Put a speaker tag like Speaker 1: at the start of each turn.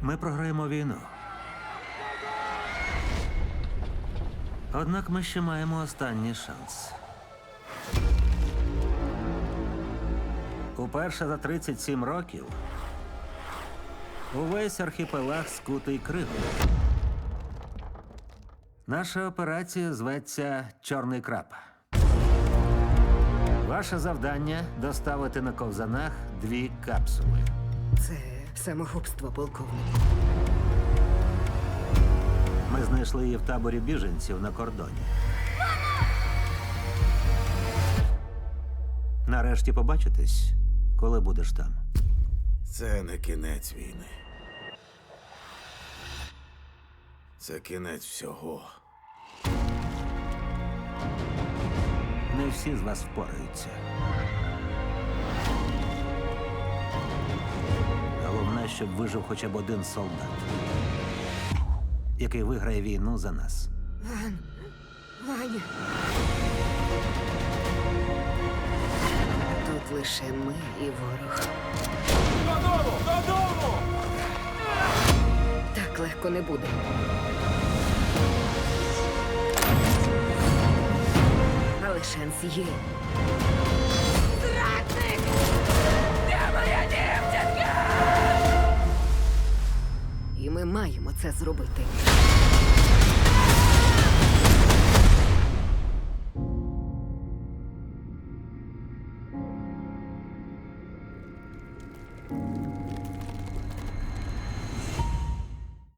Speaker 1: ми програємо війну. Однак ми ще маємо останній шанс. Уперше за 37 років увесь архіпелаг скутий кригою. Наша операція зветься «Чорний краб». Ваше завдання – доставити на ковзанах 2 капсули.
Speaker 2: Це самогубство, полковнику.
Speaker 1: Ми знайшли її в таборі біженців на кордоні. Нарешті побачитесь, коли будеш там.
Speaker 3: Це не кінець війни. Це кінець всього.
Speaker 1: Не всі з вас впораються. Головне, щоб вижив хоча б один солдат, який виграє війну за нас.
Speaker 2: Ваня. Тут лише ми і ворог.
Speaker 4: Додому! Додому!
Speaker 2: Так легко не буде. Але шанс є.
Speaker 4: Зрадник! Де моя дівчинка?
Speaker 2: І ми маємо це зробити.